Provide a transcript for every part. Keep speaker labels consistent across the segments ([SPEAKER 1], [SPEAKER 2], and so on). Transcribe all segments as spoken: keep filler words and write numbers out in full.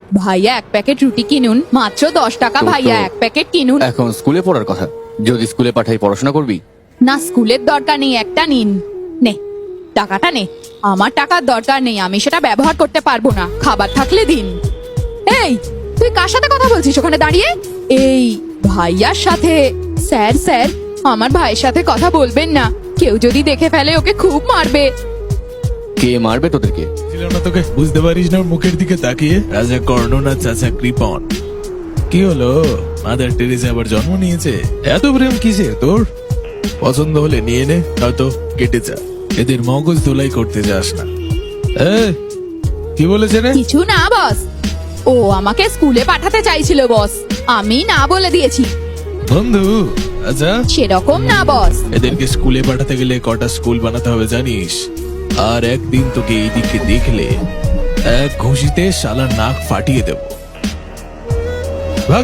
[SPEAKER 1] ভাইয়া এক প্যাকেট রুটি কিনুন, মাত্র দশ টাকা।
[SPEAKER 2] তো-
[SPEAKER 1] ভাইয়া
[SPEAKER 2] তো-
[SPEAKER 1] এক প্যাকেট কিনুন।
[SPEAKER 2] এখন স্কুলে পড়ার কথা, যদি স্কুলে পাঠাই পড়াশোনা করবি?
[SPEAKER 1] না, স্কুলের দরকার নেই, একটা নিন। নে টাকাটা নে। আমার টাকার দরকার নেই, আমি সেটা ব্যবহার করতে পারবো না। খাবার থাকলে দিন। এই, তুই কার সাথে কথা বলছিস ওখানে দাঁড়িয়ে? এই ভাইয়ার সাথে। স্যার স্যার, আমার ভাইয়ের সাথে কথা বলবেন না, কেউ যদি দেখে ফেলে ওকে খুব মারবে।
[SPEAKER 2] কে মারবে তোদেরকে?
[SPEAKER 3] ছিল না তোকে, বুঝতে পারিস না ওর মুখের দিকে তাকিয়ে? রাজা কর্ণ না চাচা কৃপন? কি হলো, মাদার টেরেসা আবার জন্ম নিয়েছে? এত প্রেম কিসের তোর? পছন্দ হলে নিয়ে নে, হয়তো কেটে যা। এদের মগজ ধোলাই করতে যাস না। এই, কি বলেছে রে?
[SPEAKER 1] কিছু না বস, ও আমাকে স্কুলে পাঠাতে চাইছিল বস, আমি না বলে দিয়েছি।
[SPEAKER 3] বন্ধু? আচ্ছা,
[SPEAKER 1] সেরকম না বস।
[SPEAKER 3] এদেরকে স্কুলে পাঠাতে গেলে কটা স্কুল বানাতে হবে জানিস? আর একদিন তোকে এইদিকে দেখলে এক ঘুষিতে শালার নাক ফাটিয়ে দেব। ভাগ।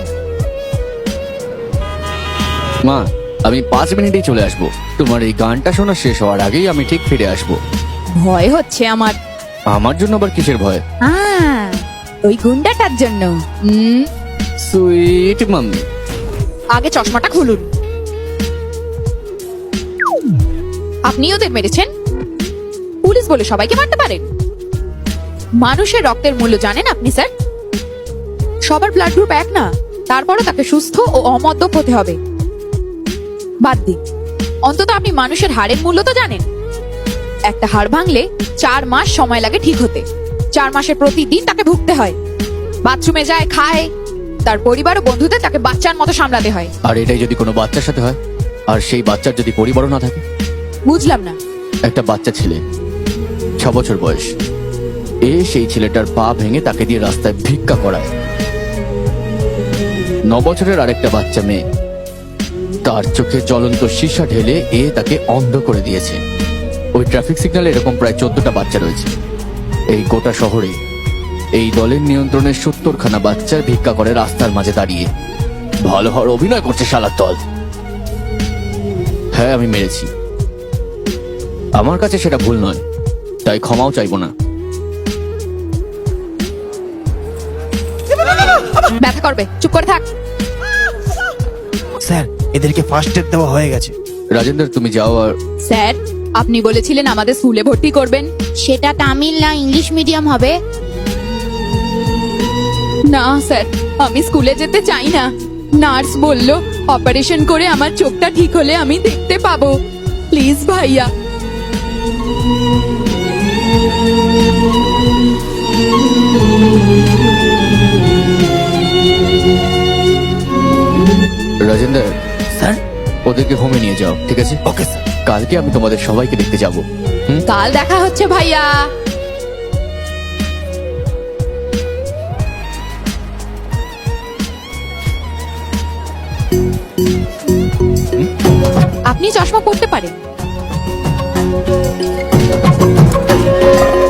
[SPEAKER 2] মা, আমি পাঁচ মিনিটেই চলে আসবো। তোমার এই গানটা শোনা শেষ হওয়ার আগেই আমি ঠিক ফিরে আসবো।
[SPEAKER 1] ভয় হচ্ছে আমার।
[SPEAKER 2] আমার জন্য আবার কিসের ভয়?
[SPEAKER 1] আহ, ওই গুন্ডাটার জন্য। হুম,
[SPEAKER 2] সুইট মাম্মি।
[SPEAKER 1] আগে চশমাটা খুলুন। আপনি ওদের মেরেছেন? পুলিশ বলে সবাইকে মারতে পারেন? মানুষের রক্তের মূল্য জানেন আপনি স্যার? সবার ব্লাড গ্রুপ এক না, তারপরও তাকে সুস্থ ও অমদ্যপ হতে হবে। বাদ দিন, অন্তত আপনি মানুষের হাড়ের মূল্য তো জানেন। একটা হাড় ভাঙলে চার মাস সময় লাগে ঠিক হতে। চার মাসে প্রতিদিন তাকে ভুগতে হয়, বাথরুমে যায়, খায়, তার পরিবার ও বন্ধুদের তাকে বাচ্চার মতো সামলাতে হয়।
[SPEAKER 2] আর এটাই যদি কোনো বাচ্চার সাথে হয়, আর সেই বাচ্চার যদি পরিবারও না থাকে?
[SPEAKER 1] বুঝলাম না।
[SPEAKER 2] একটা বাচ্চা ছেলে, ছ বছর বয়স, এ সেই ছেলেটার পা ভেঙে তাকে দিয়ে রাস্তায় ভিক্ষা করায়। ন বছরের আরেকটা বাচ্চা মেয়ে, তার চোখে জ্বলন্ত সীসা ঢেলে এ তাকে অন্ধ করে দিয়েছে। ওই ট্রাফিক সিগন্যালে এরকম প্রায় চোদ্দটা বাচ্চা রয়েছে। এই গোটা শহরে এই দলের নিয়ন্ত্রণে সত্তরখানা বাচ্চার ভিক্ষা করে রাস্তার মাঝে দাঁড়িয়ে। ভালো হওয়ার অভিনয় করছে শালার দল। হ্যাঁ, আমি মেরেছি, আমার কাছে সেটা ভুল নয়, তাই ক্ষমাও চাইবো না।
[SPEAKER 1] ব্যথা করবে, চুপ করে থাক।
[SPEAKER 4] স্যার, এদেরকে ফার্স্ট এড দেওয়া হয়ে গেছে।
[SPEAKER 2] রাজেন্দ্র, তুমি যাও। আর
[SPEAKER 1] স্যার, আপনি বলেছিলেন আমাদের স্কুলে ভর্তি করবেন।
[SPEAKER 5] সেটা তামিল না ইংলিশ মিডিয়াম হবে?
[SPEAKER 1] না স্যার, আমি স্কুলে যেতে চাই না। নার্স বলল অপারেশন করে আমার চোখটা ঠিক হলে আমি দেখতে পাবো। প্লিজ ভাইয়া।
[SPEAKER 2] রাজেন্দ্র,
[SPEAKER 4] স্যার,
[SPEAKER 2] ওদেরকে হোমে নিয়ে যাও, ঠিক আছে?
[SPEAKER 4] Okay sir.
[SPEAKER 2] কালকে আমি তোমাদের সবাইকে দেখতে যাব। হুম,
[SPEAKER 1] কাল দেখা হচ্ছে ভাইয়া। আপনি চশমা পরতে পারেন।